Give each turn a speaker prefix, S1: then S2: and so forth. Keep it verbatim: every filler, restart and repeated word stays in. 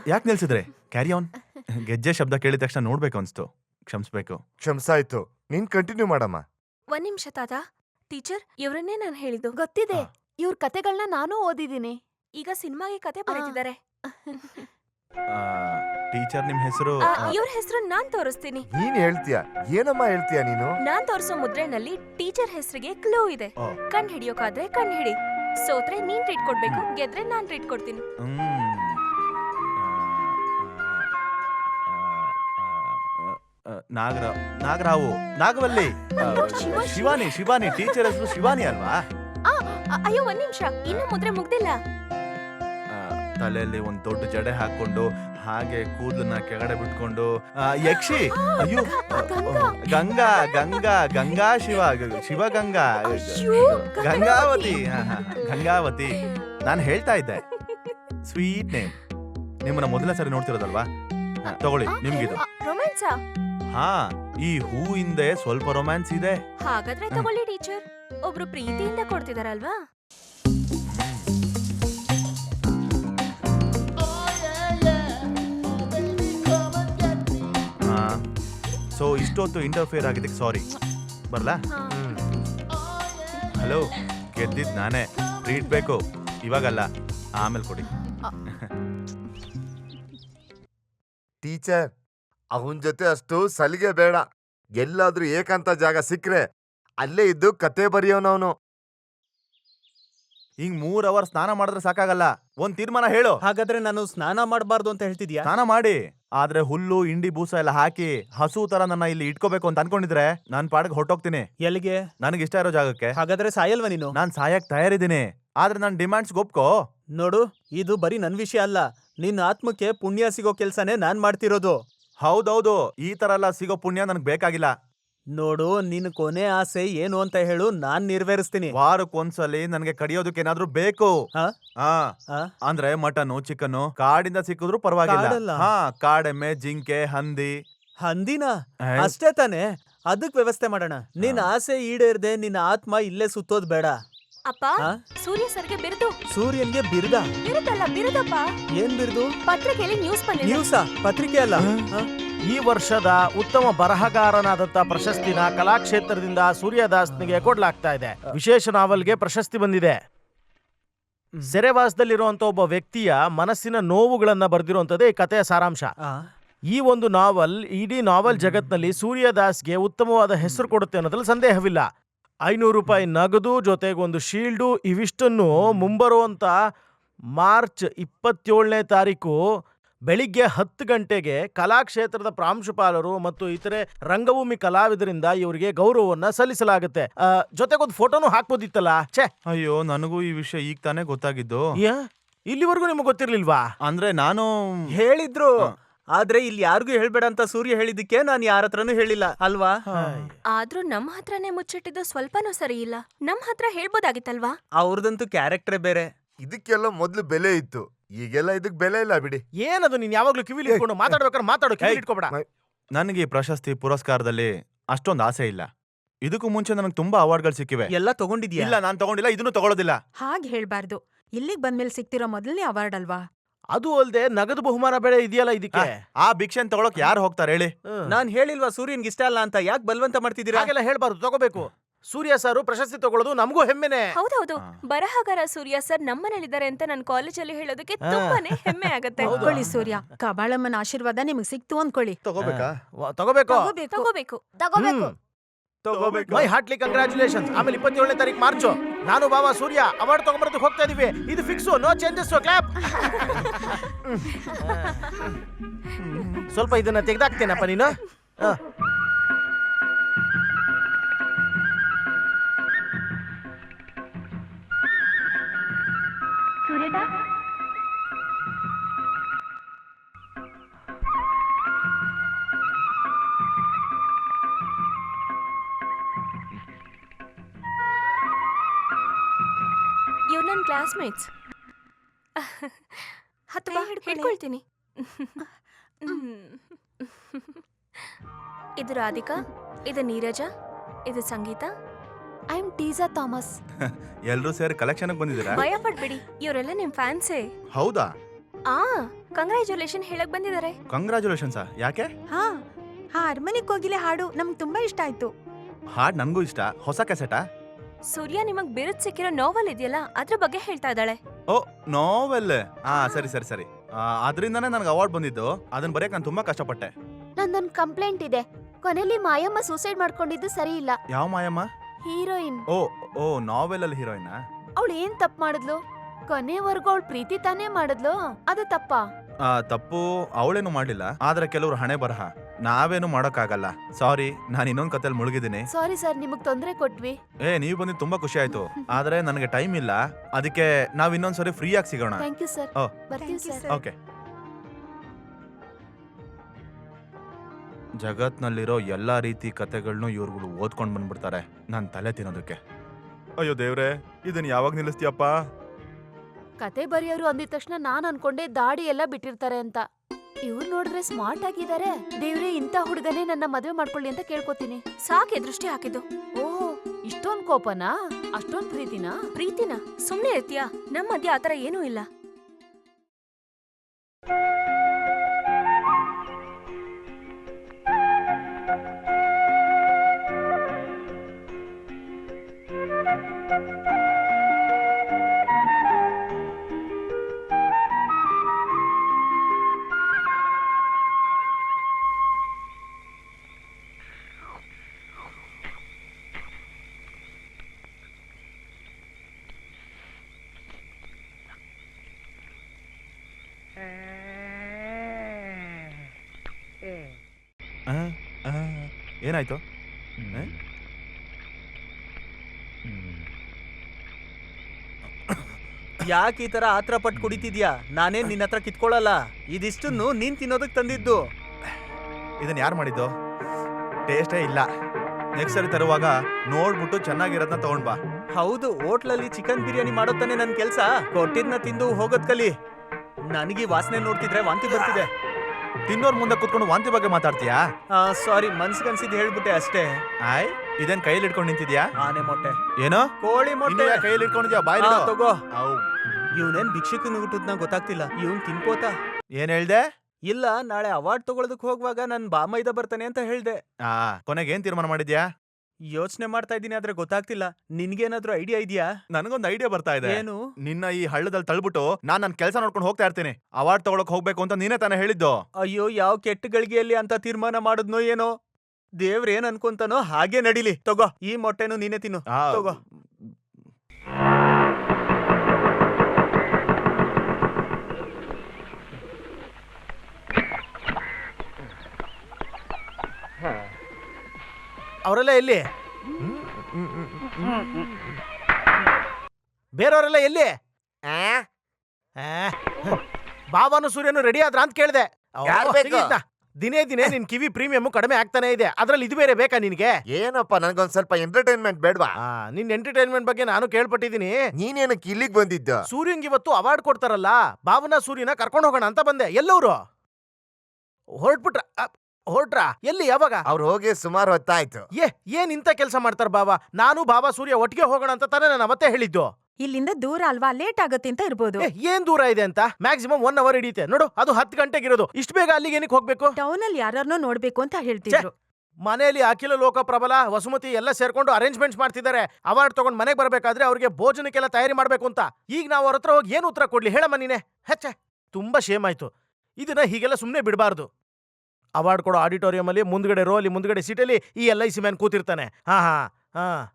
S1: ಯಾಕೆ ನಿಲ್ಸಿದ್ರೆ? Carry on. ಗೆಜ್ಜೆ ಶಬ್ದ ಕೇಳಿದ ತಕ್ಷಣ ನೋಡ್ಬೇಕು ಅನ್ಸ್ತು. ಕ್ಷಮಿಸ್ಬೇಕು.
S2: ಕ್ಷಮ್ಸಾಯ್ತು. ನೀನ್ ಕಂಟಿನ್ಯೂ ಮಾಡಮ್ಮ.
S3: ಒಂದ್ ನಿಮಿಷ ತಾತ. ಟೀಚರ್, ಇವರನ್ನೇ ನಾನು ಹೇಳಿದ್ದು.
S4: ಗೊತ್ತಿದೆ, ಇವ್ರ ಕತೆಗಳನ್ನ ನಾನು ಓದಿದ್ದೀನಿ.
S3: ಈಗ ಸಿನಿಮಾಗೆ ಕತೆ ಬರೀತಿದ್ದಾರೆ.
S1: ಟೀಚರ್ ನಿಮ್ ಹೆಸರು?
S3: ಇವ್ರ ಹೆಸರು ನಾನ್ ತೋರಿಸ್ತೀನಿ.
S2: ನೀನ್ ಹೇಳ್ತೀಯ? ಏನಮ್ಮ ಹೇಳ್ತೀಯ ನೀನು?
S3: ನಾನ್ ತೋರಿಸೋ ಮುದ್ರೆನಲ್ಲಿ ಟೀಚರ್ ಹೆಸರಿಗೆ ಕ್ಲೂ ಇದೆ. ಕಣ್ ಹಿಡಿಯೋಕಾದ್ರೆ ಕಣ್ ಹಿಡಿ. ಸೋತ್ರೆ ನೀನ್ ಟ್ರೀಟ್ ಕೊಡ್ಬೇಕು, ಗೆದ್ರೆ ನಾನ್ ಟ್ರೀಟ್ ಕೊಡ್ತೀನಿ.
S1: ನಾಗರಾವ್ ನಾಗರಾವು ನಾಗವಲ್ಲಿ ಶಿವಾನಿ ಶಿವಾನಿ ಟೀಚರ್ ಹೆಸರು ಶಿವಾನಿ ಅಲ್ವಾ?
S3: ಅಯ್ಯೋ ಒಂದ್ ನಿಮಿಷ, ಇನ್ನು ಮುದ್ರೆ ಮುಗ್ದಿಲ್ಲ.
S1: ತಲೆಯಲ್ಲಿ ಒಂದ್ ದೊಡ್ಡ ಜಡೆ ಹಾಕೊಂಡು ಹಾಗೆ ಕೂದಲನ್ನ ಕೆಳಗಡೆ ಬಿಟ್ಕೊಂಡು ಯಕ್ಷಿ. ಅಯ್ಯೋ ಗಂಗಾ ಗಂಗಾ ಗಂಗಾ ಶಿವ ಶಿವ ಗಂಗಾ ಗಂಗಾವತಿ ಗಂಗಾವತಿ. ನಾನು ಹೇಳ್ತಾ ಇದ್ದೆ ಸ್ವೀಟ್ ನೇಮ್. ನಿಮ್ಮನ್ನ ಮೊದಲನೇ ಸರಿ ನೋಡ್ತಿರೋದಲ್ವಾ? ತಗೊಳ್ಳಿ ನಿಮ್ಗಿದು.
S3: ರೊಮ್ಯಾನ್ಸಾ?
S1: ಹಾ, ಈ ಹೂ ಹಿಂದೆ ಸ್ವಲ್ಪ ರೊಮ್ಯಾನ್ಸ್ ಇದೆ.
S3: ಹಾಗಾದ್ರೆ ತಗೊಳ್ಳಿ ಟೀಚರ್. ಒಬ್ರು ಪ್ರೀತಿಯಿಂದ ಕೊಡ್ತಿದಾರಲ್ವಾ?
S1: ಹಾ, ಸೊ ಇಷ್ಟೊತ್ತು ಇಂಟರ್ಫಿಯರ್ ಆಗಿದ್ದಕ್ಕೆ ಸಾರಿ. ಬರ್ಲಾ? ಹಲೋ, ಗೆದ್ದಿದ್ ನಾನೇ. ಟ್ರೀಟ್ ಬೇಕು, ಇವಾಗಲ್ಲ, ಆಮೇಲೆ ಕೊಡಿ.
S2: ಟೀಚರ್, ಅವನ್ ಜೊತೆ ಅಷ್ಟು ಸಲಿಗೆ ಬೇಡ. ಎಲ್ಲಾದ್ರೂ ಏಕಾಂತ ಜಾಗ ಸಿಕ್ಕ್ರೆ ಅಲ್ಲೇ ಇದ್ದು ಕತೆ ಬರೆಯೋನವನು.
S1: ಹಿಂಗ್ ಮೂರ್ ಅವರ್ ಸ್ನಾನ ಮಾಡಿದ್ರೆ ಸಾಕಾಗಲ್ಲ. ಒಂದ್ ತೀರ್ಮಾನ ಹೇಳು.
S5: ಹಾಗಾದ್ರೆ ನಾನು ಸ್ನಾನ ಮಾಡಬಾರ್ದು ಅಂತ ಹೇಳ್ತಿದ್ಯಾ?
S1: ಸ್ನಾನ ಮಾಡಿ, ಆದ್ರೆ ಹುಲ್ಲು ಇಂಡಿ ಬೂಸ ಎಲ್ಲ ಹಾಕಿ ಹಸು ತರ ನನ್ನ ಇಲ್ಲಿ ಇಟ್ಕೋಬೇಕು ಅಂತ ಅನ್ಕೊಂಡಿದ್ರೆ ನಾನ್ ಪಾಡಿಗೆ ಹೊರಟೋಗ್ತೀನಿ.
S5: ಎಲ್ಲಿಗೆ?
S1: ನನಗೆ ಇಷ್ಟ ಇರೋ ಜಾಗಕ್ಕೆ.
S5: ಹಾಗಾದ್ರೆ ಸಾಯಲ್ವಾ ನೀನು?
S1: ನಾನ್ ಸಾಯಕ್ ತಯಾರಿದ್ದೀನಿ, ಆದ್ರೆ ನನ್ ಡಿಮ್ಯಾಂಡ್ಸ್ ಒಪ್ಕೋ.
S5: ನೋಡು, ಇದು ಬರೀ ನನ್ ವಿಷಯ ಅಲ್ಲ. ನಿನ್ನ ಆತ್ಮಕ್ಕೆ ಪುಣ್ಯ ಸಿಗೋ ಕೆಲ್ಸನೇ ನಾನ್ ಮಾಡ್ತಿರೋದು.
S1: ಹೌದೌದು, ಈ ತರ ಎಲ್ಲ ಸಿಗೋ ಪುಣ್ಯ ನನ್ಗೆ ಬೇಕಾಗಿಲ್ಲ.
S5: ನೋಡು, ನಿನ್ ಕೊನೆ ಆಸೆ ಏನು ಅಂತ ಹೇಳು, ನಾನ್ ನೆರವೇರಿಸ್ತೀನಿ.
S1: ವಾರಕ್ಕೊಂದ್ಸಲಿ ನನ್ಗೆ ಕಡಿಯೋದಕ್ಕೆ ಏನಾದ್ರೂ ಬೇಕು.
S5: ಹಾ?
S1: ಹಾ, ಅಂದ್ರೆ ಮಟನು ಚಿಕನ್ ಕಾಡಿಂದ ಸಿಕ್ಕಿದ್ರು ಪರವಾಗಿಲ್ಲ.
S5: ಕಾಡಲ್ಲ?
S1: ಹಾ, ಕಾಡೆಮ್ಮೆ, ಜಿಂಕೆ, ಹಂದಿ.
S5: ಹಂದಿನ? ಅಷ್ಟೇ ತಾನೆ, ಅದಕ್ ವ್ಯವಸ್ಥೆ ಮಾಡೋಣ. ನಿನ್ ಆಸೆ ಈಡೇರ್ದೆ ನಿನ್ನ ಆತ್ಮ ಇಲ್ಲೇ ಸುತ್ತೋದ್ ಬೇಡ.
S3: ಅಪ್ಪ, ಸೂರ್ಯ ಸರ್ಗೆ ಬಿರುದು.
S5: ಸೂರ್ಯನ್ಗೆ ಬಿರುದ?
S3: ಬಿರುದಲ್ಲ, ಬಿರುದಪ್ಪ.
S5: ಏನ್ ಬಿರುದು?
S3: ಪತ್ರಿಕೆಯಲ್ಲಿ ನ್ಯೂಸ್ ಬಂದಿದೆ.
S5: ನ್ಯೂಸಾ? ಪತ್ರಿಕೆ ಅಲ್ಲ.
S6: ಈ ವರ್ಷದ ಉತ್ತಮ ಬರಹಗಾರನಾದಂತ ಪ್ರಶಸ್ತಿನ ಕಲಾಕ್ಷೇತ್ರದಿಂದ ಸೂರ್ಯದಾಸ್ನಿಗೆ ಕೊಡ್ಲಾಗ್ತಾ ಇದೆ. ವಿಶೇಷ ನಾವಲ್ಗೆ ಪ್ರಶಸ್ತಿ ಬಂದಿದೆ. ಸೆರೆವಾಸದಲ್ಲಿರುವಂತ ಒಬ್ಬ ವ್ಯಕ್ತಿಯ ಮನಸ್ಸಿನ ನೋವುಗಳನ್ನ ಬರೆದಿರುವಂತದ್ದೇ ಈ ಕಥೆಯ ಸಾರಾಂಶ. ಈ ಒಂದು ನಾವಲ್ ಇಡೀ ನಾವಲ್ ಜಗತ್ನಲ್ಲಿ ಸೂರ್ಯದಾಸ್ಗೆ ಉತ್ತಮವಾದ ಹೆಸರು ಕೊಡುತ್ತೆ ಅನ್ನೋದ್ರಲ್ಲಿ ಸಂದೇಹವಿಲ್ಲ. ಐನೂರು ರೂಪಾಯಿ ನಗದು ಜೊತೆಗೆ ಒಂದು ಶೀಲ್ಡು, ಇವಿಷ್ಟನ್ನು ಮುಂಬರುವಂತ ಮಾರ್ಚ್ ಇಪ್ಪತ್ತೇಳನೇ ತಾರೀಕು ಬೆಳಿಗ್ಗೆ ಹತ್ತು ಗಂಟೆಗೆ ಕಲಾಕ್ಷೇತ್ರದ ಪ್ರಾಂಶುಪಾಲರು ಮತ್ತು ಇತರೆ ರಂಗಭೂಮಿ ಕಲಾವಿದರಿಂದ ಇವರಿಗೆ ಗೌರವವನ್ನ ಸಲ್ಲಿಸಲಾಗುತ್ತೆ. ಜೊತೆಗೊಂದು ಫೋಟೋನು ಹಾಕ್ಬೋದಿತ್ತಲ್ಲ. ಛೇ,
S1: ಅಯ್ಯೋ, ನನಗೂ ಈ ವಿಷಯ ಈಗ ತಾನೇ ಗೊತ್ತಾಗಿದ್ದು.
S6: ಇಲ್ಲಿವರೆಗೂ ನಿಮ್ಗೆ ಗೊತ್ತಿರ್ಲಿಲ್ವಾ?
S1: ಅಂದ್ರೆ ನಾನು
S5: ಹೇಳಿದ್ರು, ಆದ್ರೆ ಇಲ್ಲಿ ಯಾರಿಗೂ ಹೇಳ್ಬೇಡ ಅಂತ ಸೂರ್ಯ ಹೇಳಿದಕ್ಕೆ ನಾನು ಯಾರ ಹತ್ರನೂ ಹೇಳಿಲ್ಲ ಅಲ್ವಾ?
S3: ಆದ್ರೂ ನಮ್ ಹತ್ರನೇ ಮುಚ್ಚಿಟ್ಟಿದ್ದು ಸ್ವಲ್ಪನೂ ಸರಿ ಇಲ್ಲ. ನಮ್ ಹತ್ರ ಹೇಳ್ಬೋದಾಗಿತ್ತಲ್ವಾ?
S5: ಅವ್ರದಂತೂ ಕ್ಯಾರೆಕ್ಟರ್ ಬೇರೆ.
S2: ಇದಕ್ಕೆಲ್ಲ ಮೊದ್ಲು ಬೆಲೆ ಇತ್ತು, ಈಗೆಲ್ಲ ಇದಕ್ ಬೆಲೆ ಇಲ್ಲ ಬಿಡಿ.
S6: ಏನದು, ನೀನ್ ಯಾವಾಗ್ಲೂ ಕಿವಿಲಿ ಇಟ್ಕೊಂಡು ಮಾತಾಡ್ಬೇಕಾದ್ರೆ ಮಾತಾಡೋ, ಕಿವಿಲಿ ಇಟ್ಕೋಬೇಡ.
S1: ನನಗೆ ಈ ಪ್ರಶಸ್ತಿ ಪುರಸ್ಕಾರದಲ್ಲಿ ಅಷ್ಟೊಂದು ಆಸೆ ಇಲ್ಲ. ಇದಕ್ಕೂ ಮುಂಚೆ ನನಗೆ ತುಂಬಾ ಅವಾರ್ಡ್ಗಳು ಸಿಕ್ಕಿವೆ.
S5: ಎಲ್ಲ ತಗೊಂಡಿದ್ಯಾ?
S1: ಇಲ್ಲ, ನಾನ್ ತಗೊಂಡಿಲ್ಲ, ಇದನ್ನು ತಗೊಳ್ಳೋದಿಲ್ಲ.
S4: ಹಾಗೆ ಹೇಳ್ಬಾರ್ದು. ಇಲ್ಲಿಗ್ ಬಂದ್ಮೇಲೆ ಸಿಕ್ತಿರೋ ಮೊದಲನೇ ಅವಾರ್ಡ್ ಅಲ್ವಾ?
S6: ಅದು ಅಲ್ದೆ ನಗದು ಬಹುಮಾನ ಬೆಳೆ ಇದೆಯಲ್ಲ ಇದಕ್ಕೆ.
S1: ಆ ಭಿಕ್ಷೆನ್ ತಗೊಳಕ್ ಯಾರು ಹೋಗ್ತಾರೆ ಹೇಳಿ?
S5: ನಾನ್ ಹೇಳಿಲ್ವಾ ಸೂರ್ಯನ್ಗೆ ಇಷ್ಟ ಅಲ್ಲ ಅಂತ? ಯಾಕೆ ಬಲವಂತ ಮಾಡ್ತಿದ್ದೀರಾ?
S6: ಹಾಗೆಲ್ಲ ಹೇಳ್ಬಾರ್ದು, ತಗೋಬೇಕು. ಸೂರ್ಯ ಸರ್ ಪ್ರಶಸ್ತಿ ತಗೊಳ್ಳೋದು ನಮಗೂ ಹೆಮ್ಮೆನೆ.
S3: ಹೌದೌದು, ಬರಹಗಾರ ಸೂರ್ಯ ಸರ್ ನಮ್ಮನೇಲಿದ್ದಾರೆ ಅಂತ ನನ್ನ ಕಾಲೇಜಲ್ಲಿ ಹೇಳೋದಕ್ಕೆ ತುಂಬಾನೇ ಹೆಮ್ಮೆ ಆಗತ್ತೆ.
S4: ತಗೊಳ್ಳಿ ಸೂರ್ಯ, ಕಬಾಳಮ್ಮನ ಆಶೀರ್ವಾದ ನಿಮಗೆ ಸಿಕ್ತು ಅನ್ಕೊಳ್ಳಿ.
S1: ತಗೋಬೇಕಾ?
S6: ತಗೋಬೇಕು
S3: ತಗೋಬೇಕು
S4: ತಗೋಬೇಕು
S5: ತಗೋಬೇಕು.
S6: My heartly congratulations. ಆಮೇಲೆ ಇಪ್ಪತ್ತೇಳನೇ ತಾರೀಕು ಮಾರ್ಚು ನಾನು ಬಾಬಾ ಸೂರ್ಯ ಅವಾರ್ಡ್ ತಗೊಂಡ್ಬರೋದಕ್ಕೆ ಹೋಗ್ತಾ ಇದೀವಿ. ಇದು ಫಿಕ್ಸು, ನೋ ಚೇಂಜಸ್. ಕ್ಲಾಪ್. ಸ್ವಲ್ಪ ಇದನ್ನ ತೆಗೆದಾಕ್ತೇನಪ್ಪ ನೀನು.
S3: ಇವ್ರು ನನ್ನ ಕ್ಲಾಸ್ಮೇಟ್ಸ್. ಹತ್ತು ಬಾ, ಹಿಡ್ಕೊಳ್ತೀನಿ. ಇದು ರಾಧಿಕಾ, ಇದು ನೀರಜ, ಇದು Sangeetha.
S4: I am Tessa Thomas.
S1: ಎಲ್ರೂ ಸೇರಿ ಕಲೆಕ್ಷನ್ ಬಂದಿದ್ದೀರಾ?
S3: ಭಯ ಪಡ್ಬೇಡಿ, ಇವರೆಲ್ಲ ನಿಮ್ ಫ್ಯಾನ್ಸೇ.
S1: ಹೌದಾ?
S3: ಆ ಕಂಗ್ರ್ಯಾಚುಲೇಷನ್ ಹೇಳಕ್ ಬಂದಿದ್ದಾರೆ.
S1: ಕಂಗ್ರಾಚುಲೇಷನ್ಸಾ? ಯಾಕೆ?
S4: ಹಾ ಹಾ ಅರಮನೆ ಕೋಗಿಲೆ ಹಾಡು ನಮ್ಗೆ ತುಂಬಾ ಇಷ್ಟ ಆಯ್ತು.
S1: ಹಾಡ್ ನನ್ಗೂ ಇಷ್ಟ. ಹೊಸ ಕೆಸೆಟಾ?
S3: ಸೂರ್ಯ ನಿಮಗ್ ಬಿರುದ್ ಸಿಕ್ಕಿರೋ ನೋವೆಲ್ ಇದೆಯಲ್ಲ ಅದ್ರ ಬಗ್ಗೆ ಹೇಳ್ತಾ ಇದ್ದಾಳೆ.
S1: Oh novel. ಹಾ ಸರಿ ಸರಿ ಸರಿ. ಅದರಿಂದಾನೇ ನನಗೆ ಅವಾರ್ಡ್ ಬಂದಿದ್ದು. ಅದನ್ನ ಬರೆಯಕ್ ನಾನು ತುಂಬಾ ಕಷ್ಟಪಟ್ಟೆ.
S7: ನಂದೊಂದ್ ಕಂಪ್ಲೇಂಟ್ ಇದೆ. ಕೊನೆಲಿ ಮಾಯಮ್ಮ ಸೂಸೈಡ್ ಮಾಡ್ಕೊಂಡಿದ್ದು ಸರಿ ಇಲ್ಲ.
S1: ಯಾವ ಮಾಯಮ್ಮ?
S7: ಹೀರೋಯಿನ್.
S1: ಓ ಓ ನಾವೆಲ್ ಅಲ್ಲಿ ಹೀರೋಯಿನ್.
S7: ಅವಳು ಏನ್ ತಪ್ಪು ಮಾಡಿದ್ಲು? ಕೊನೆವರೆಗೂ ಅವಳು ಪ್ರೀತಿ ತಾನೇ ಮಾಡಿದ್ಲು. ಅದು ತಪ್ಪಾ?
S1: ತಪ್ಪು ಅವಳೇನು ಮಾಡ್ಲಿಲ್ಲ. ಆದ್ರೆ ಕೆಲವ್ರು ಹಣೆ ಬರಹ. ನಾವೇನು ಮಾಡೋಕ್ಕಾಗಲ್ಲ. ಸಾರಿ, ನಾನು ಇನ್ನೊಂದ್ ಕತೆಲ್ ಮುಳುಗಿದ್ದೀನಿ.
S7: ಸಾರಿ ಸರ್, ನಿಮಗ್ ತೊಂದ್ರೆ ಕೊಟ್ವಿ.
S1: ಏ ನೀವು ಬಂದಿದ್ದು ತುಂಬಾ ಖುಷಿ ಆಯ್ತು. ಆದ್ರೆ ನನಗೆ ಟೈಮ್ ಇಲ್ಲ. ಅದಕ್ಕೆ ನಾವ್ ಇನ್ನೊಂದ್ಸರಿ ಫ್ರೀ ಆಗಿ ಸಿಗೋಣ.
S7: Thank you sir.
S1: ಓ.
S7: ಬರ್ತೀವಿ
S4: Thank you,
S7: sir.
S4: sir.
S1: Okay. ಜಗತ್ನಲ್ಲಿರೋ ಎಲ್ಲಾ ರೀತಿ ಕತೆಗಳ್ನು ಇವ್ರುಗಳು ಓದ್ಕೊಂಡ್ ಬಂದ್ಬಿಡ್ತಾರೆ ನನ್ ತಲೆ ತಿನ್ನೋದಕ್ಕೆ. ಅಯ್ಯೋ ದೇವ್ರೆ, ಇದನ್ನ ಯಾವಾಗ ನಿಲ್ಲಿಸ್ತೀಯಪ್ಪ?
S7: ಕತೆ ಬರೆಯೋರು ಅಂದಿದ ತಕ್ಷಣ ನಾನ್ ಅನ್ಕೊಂಡೆ ದಾಡಿ ಎಲ್ಲ ಬಿಟ್ಟಿರ್ತಾರೆ ಅಂತ. ಇವ್ರು ನೋಡಿದ್ರೆ ಸ್ಮಾರ್ಟ್ ಆಗಿದ್ದಾರೆ. ದೇವ್ರೆ, ಇಂಥ ಹುಡುಗನೇ ನನ್ನ ಮದ್ವೆ ಮಾಡ್ಕೊಳ್ಳಿ ಅಂತ ಕೇಳ್ಕೊತೀನಿ.
S3: ಸಾಕೆ ದೃಷ್ಟಿ ಹಾಕಿದ್ದು.
S7: ಓಹ್, ಇಷ್ಟೊಂದ್ ಕೋಪನಾ? ಅಷ್ಟೊಂದ್ ಪ್ರೀತಿನಾ?
S3: ಪ್ರೀತಿನ ಸುಮ್ನೆ ಇರ್ತೀಯಾ? ನಮ್ ಮಧ್ಯ ಆತರ ಏನೂ ಇಲ್ಲ.
S1: ಆ, ಆ, ಏನಾಯ್ತು? ಆ?
S5: ಯಾಕೆ ಈ ತರ ಆತ್ರ ಪಟ್ಟು ಕುಡಿತಿದ್ಯಾ? ನಾನೇನ್ ನಿನ್ನ ಹತ್ರ ಕಿತ್ಕೊಳ್ಳಲ್ಲ. ಇದಿಷ್ಟನ್ನು ನೀನ್ ತಿನ್ನೋದಕ್ ತಂದಿದ್ದು.
S1: ಇದನ್ನ ಯಾರು ಮಾಡಿದ್ದು? ಟೇಸ್ಟೇ ಇಲ್ಲ. ನೆಕ್ಸ್ಟ್ ಸರಿ ತರುವಾಗ ನೋಡ್ಬಿಟ್ಟು ಚೆನ್ನಾಗಿರೋದನ್ನ ತಗೊಂಡ್ ಬಾ.
S5: ಹೌದು, ಹೋಟ್ಲಲ್ಲಿ ಚಿಕನ್ ಬಿರಿಯಾನಿ ಮಾಡೋತಾನೆ ನನ್ ಕೆಲ್ಸ. ಕೊಟ್ಟಿದ್ನ ತಿಂದು ಹೋಗೋದ್ ಕಲಿ. ನನಗೆ ವಾಸನೆ ನೋಡ್ತಿದ್ರೆ ವಾಂತಿ ಬರ್ತಿದೆ.
S1: ತಿನ್ನೋರ್ ಮುಂದೆ ಕುತ್ಕೊಂಡು ವಾಂತಿ ಬಗ್ಗೆ ಮಾತಾಡ್ತೀಯಾ?
S5: ಸಾರಿ, ಮನ್ಸಿಗನ್ಸಿದ್ ಹೇಳ್ಬಿಟ್ಟೆ ಅಷ್ಟೇ.
S1: ಆಯ್, ಇದೇನ್ ಕೈಯಲ್ಲಿ ಇಟ್ಕೊಂಡು ನಿಂತಿದ್ಯಾ?
S5: ಆನೆ ಮೊಟ್ಟೆ,
S1: ಏನೋ
S5: ಕೋಳಿ ಮೊಟ್ಟೆ
S1: ಕೈಯಲ್ಲಿ ಇಟ್ಕೊಂಡಿದ್ಯಾ? ಬಾಯ್
S5: ಆ, ತಗೋ. ಇವನೇನ್ ಭಿಕ್ಷಕನ ಹುಟ್ಟುದ್ನ ಗೊತ್ತಾಗ್ತಿಲ್ಲ. ಇವನ್ ತಿನ್ಕೋತ.
S1: ಏನ್ ಹೇಳ್ದೆ?
S5: ಇಲ್ಲ, ನಾಳೆ ಅವಾರ್ಡ್ ತಗೊಳದಕ್ ಹೋಗುವಾಗ ನನ್ ಬಾಮೈದ ಬರ್ತಾನೆ ಅಂತ ಹೇಳ್ದೆ.
S1: ಆ ಕೊನೆಗೆ ಏನ್ ತೀರ್ಮಾನ ಮಾಡಿದ್ಯಾ?
S5: ಯೋಚನೆ ಮಾಡ್ತಾ ಇದೀನಿ, ಆದ್ರೆ ಗೊತ್ತಾಗ್ತಿಲ್ಲ. ನಿನ್ಗೇನಾದ್ರೂ ಐಡಿಯಾ ಇದೆಯಾ?
S1: ನನಗೊಂದು ಐಡಿಯಾ ಬರ್ತಾ ಇದೆ.
S5: ಏನು?
S1: ನಿನ್ನ ಈ ಹಳ್ಳದಲ್ಲಿ ತಳ್ಬಿಟ್ಟು ನಾನ್ ನನ್ ಕೆಲಸ ನೋಡ್ಕೊಂಡು ಹೋಗ್ತಾ ಇರ್ತೀನಿ. ಅವಾರ್ಡ್ ತಗೊಳಕ್ ಹೋಗ್ಬೇಕು ಅಂತ ನೀನೇ ತಾನೇ ಹೇಳಿದ್ದು.
S5: ಅಯ್ಯೋ, ಯಾವ ಕೆಟ್ಟ ಗಳಿಗೆಯಲ್ಲಿ ಅಂತ ತೀರ್ಮಾನ ಮಾಡುದ್ನೋ ಏನೋ. ದೇವ್ರೇನ್ ಅನ್ಕೊಂತಾನೋ ಹಾಗೆ ನಡಿಲಿ. ತಗೋ, ಈ ಮೊಟ್ಟೆನು ನೀನೇ ತಿನ್ನು.
S1: ಆ,
S5: ತಗೋ.
S6: ಅವರೆಲ್ಲ ಎಲ್ಲಿ? ಬೇರೆಯವರೆಲ್ಲ ಎಲ್ಲಿ?
S2: ಆ?
S6: ಆ, ಬಾಬಾನು ಸೂರ್ಯನು ರೆಡಿ ಆದ್ರ ಅಂತ ಕೇಳ್ದೆ. ಅವ್ರು
S2: ಯಾರ್ ಬೇಕು?
S6: ತೆಗೀತ್ನಾ? ದಿನೇ ದಿನೇ ನಿನ್ ಕಿವಿ ಪ್ರೀಮಿಯಂ ಕಡಿಮೆ ಆಗ್ತಾನೆ ಇದೆ. ಅದ್ರಲ್ಲಿ ಇದು ಬೇರೆ ಬೇಕಾ ನಿನ್ಗೆ?
S2: ಏನಪ್ಪ, ನನ್ಗೊಂದ್ ಸ್ವಲ್ಪ ಎಂಟರ್ಟೈನ್ಮೆಂಟ್ ಬೇಡ್ವಾ?
S6: ಆ, ನಿನ್ ಎಂಟರ್ಟೈನ್ಮೆಂಟ್ ಬಗ್ಗೆ ನಾನು ಕೇಳ್ಪಟ್ಟಿದೀನಿ.
S2: ನೀನೇನಕ್ಕೆ ಇಲ್ಲಿಗ್ ಬಂದಿದ್ದ?
S6: ಸೂರ್ಯಂಗ್ ಇವತ್ತು ಅವಾರ್ಡ್ ಕೊಡ್ತಾರಲ್ಲ, ಬಾಬನ ಸೂರ್ಯನ ಕರ್ಕೊಂಡು ಹೋಗೋಣ ಅಂತ ಬಂದೆ. ಎಲ್ಲವ್ರು ಹೊರಟ್ಬಿಟ್ರ? ಹೊರಟ್ರ? ಎಲ್ಲಿ? ಯಾವಾಗ?
S2: ಅವ್ರು ಹೋಗಿ ಸುಮಾರು ಹೊತ್ತಾಯ್ತು.
S6: ಏ ಏನ್ ಇಂತ ಕೆಲಸ ಮಾಡ್ತಾರ ಬಾಬಾ? ನಾನು ಬಾಬಾ ಸೂರ್ಯ ಒಟ್ಟಿಗೆ ಹೋಗೋಣ ಅಂತ ತಾನೇ ನಾನು ಅವತ್ತೇ ಹೇಳಿದ್ದು.
S4: ಇಲ್ಲಿಂದ ದೂರ ಅಲ್ವಾ, ಲೇಟ್ ಆಗುತ್ತೆ ಅಂತ ಇರ್ಬೋದು.
S6: ಏ, ಏನ್ ದೂರ ಇದೆ ಅಂತ? ಮ್ಯಾಕ್ಸಿಮಮ್ ಒನ್ ಅವರ್ ಹಿಡಿಯುತ್ತೆ ನೋಡು. ಅದು ಹತ್ತು ಗಂಟೆಗಿರೋದು. ಇಷ್ಟು ಬೇಗ ಅಲ್ಲಿಗೆ ಏನಕ್ಕೆ ಹೋಗ್ಬೇಕು?
S4: ಟೌನ್ ಅಲ್ಲಿ ಯಾರನ್ನೋ ನೋಡ್ಬೇಕು ಅಂತ ಹೇಳ್ತಿದ್ರು.
S6: ಮನೆಯಲ್ಲಿ ಅಖಿಲ ಲೋಕ ಪ್ರಬಲ ವಸುಮತಿ ಎಲ್ಲ ಸೇರ್ಕೊಂಡು ಅರೇಂಜ್ಮೆಂಟ್ಸ್ ಮಾಡ್ತಿದ್ದಾರೆ. ಅವಾರ್ಡ್ ತಗೊಂಡ್ ಮನೆಗೆ ಬರ್ಬೇಕಾದ್ರೆ ಅವ್ರಿಗೆ ಭೋಜನಕ್ಕೆಲ್ಲ ತಯಾರಿ ಮಾಡ್ಬೇಕು ಅಂತ. ಈಗ ನಾವು ಅವ್ರ ಹತ್ರ ಹೋಗಿ ಏನ್ ಉತ್ತರ ಕೊಡ್ಲಿ ಹೇಳಮ್ಮ ನೀನೆ? ಹೆಚ್ಚೆ ತುಂಬಾ ಶೇಮ್ ಆಯ್ತು. ಇದನ್ನ ಹೀಗೆಲ್ಲ ಸುಮ್ನೆ ಬಿಡಬಾರ್ದು. ಅವಾರ್ಡ್ ಕೊಡೋ ಆಡಿಟೋರಿಯಂ ಅಲ್ಲಿ ಮುಂದ್ಗಡೆ ರೋ ಅಲ್ಲಿ ಮುಂದ್ಗಡೆ ಸೀಟಲ್ಲಿ ಈ ಎಲ್ ಐ ಸಿ ಮ್ಯಾನ್ ಕೂತಿರ್ತಾನೆ. ಹಾ ಹಾ ಹಾ